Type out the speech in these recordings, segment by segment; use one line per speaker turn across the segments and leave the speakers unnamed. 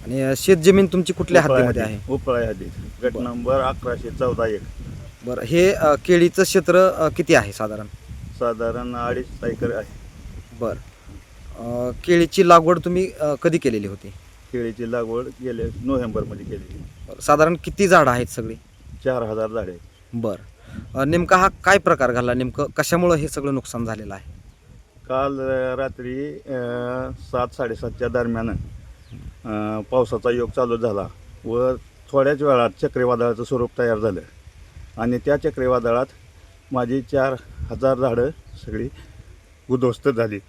आणि शेत जमीन तुमची कुठल्या हद्दीमध्ये आहे?
उपळा हद्दीत गट नंबर 1114-1.
बरं, हे केळीचं क्षेत्र किती आहे साधारण?
साधारण 2.5 एकर आहे.
बरं, केळीची लागवड तुम्ही कधी केलेली होती?
केळीची लागवड गेल्या नोव्हेंबरमध्ये केली.
बरं, साधारण किती झाडं आहेत सगळी?
4000 झाडे.
बरं, नेमका हा काय प्रकार घडला? नेमकं कशामुळं हे सगळं नुकसान झालेलं आहे?
काल रात्री 7-7:30च्या दरम्यान पावसाचा योग चालू झाला व थोड्याच वेळात चक्रीवादळाचं स्वरूप तयार झालं आणि त्या चक्रीवादळात माझी 4000 झाडं सगळी उद्ध्वस्त झाली.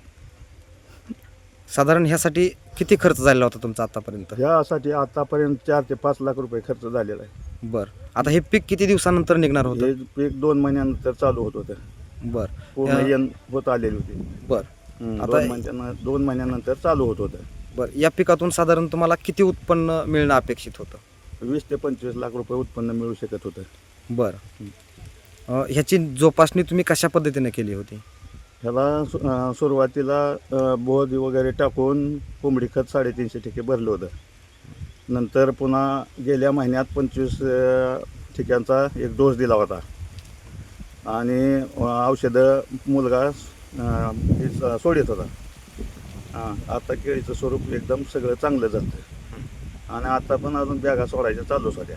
साधारण ह्यासाठी किती खर्च झालेला होता तुमचा आतापर्यंत?
ह्यासाठी आतापर्यंत 4 ते 5 लाख रुपये खर्च झालेला आहे.
बरं, आता हे पीक किती दिवसानंतर निघणार
हे
होतं?
पीक 2 महिन्यानंतर चालू होत होतं.
बरं,
पूर्ण येण होत आलेली होती.
बरं, आता
2 महिन्यानंतर चालू होत होतं.
बरं, या पिकातून साधारण तुम्हाला किती उत्पन्न मिळणं अपेक्षित होतं?
20 ते 25 लाख रुपये उत्पन्न मिळू शकत होतं.
बरं, ह्याची जोपासणी तुम्ही कशा पद्धतीने केली होती?
ह्याला सुरुवातीला बोध वगैरे टाकून कोंबडी खत 350 ठिके भरलं होतं. नंतर पुन्हा गेल्या महिन्यात 25 ठिक्यांचा एक डोस दिला होता आणि औषधं मुलगा सोडित होता. आता केळीचं स्वरूप एकदम सगळं चांगलं झालं आणि आता पण अजून बॅगा सोडायच्या चालूच होत्या.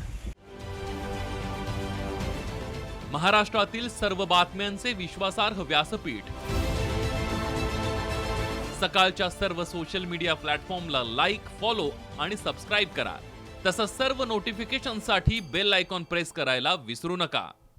महाराष्ट्रातील सर्व बातम्यांचे विश्वासार्ह व्यासपीठ. सकाळच्या सर्व सोशल मीडिया प्लॅटफॉर्मला लाईक, फॉलो आणि सबस्क्राईब करा. तसंच सर्व नोटिफिकेशनसाठी बेल आयकॉन प्रेस करायला विसरू नका.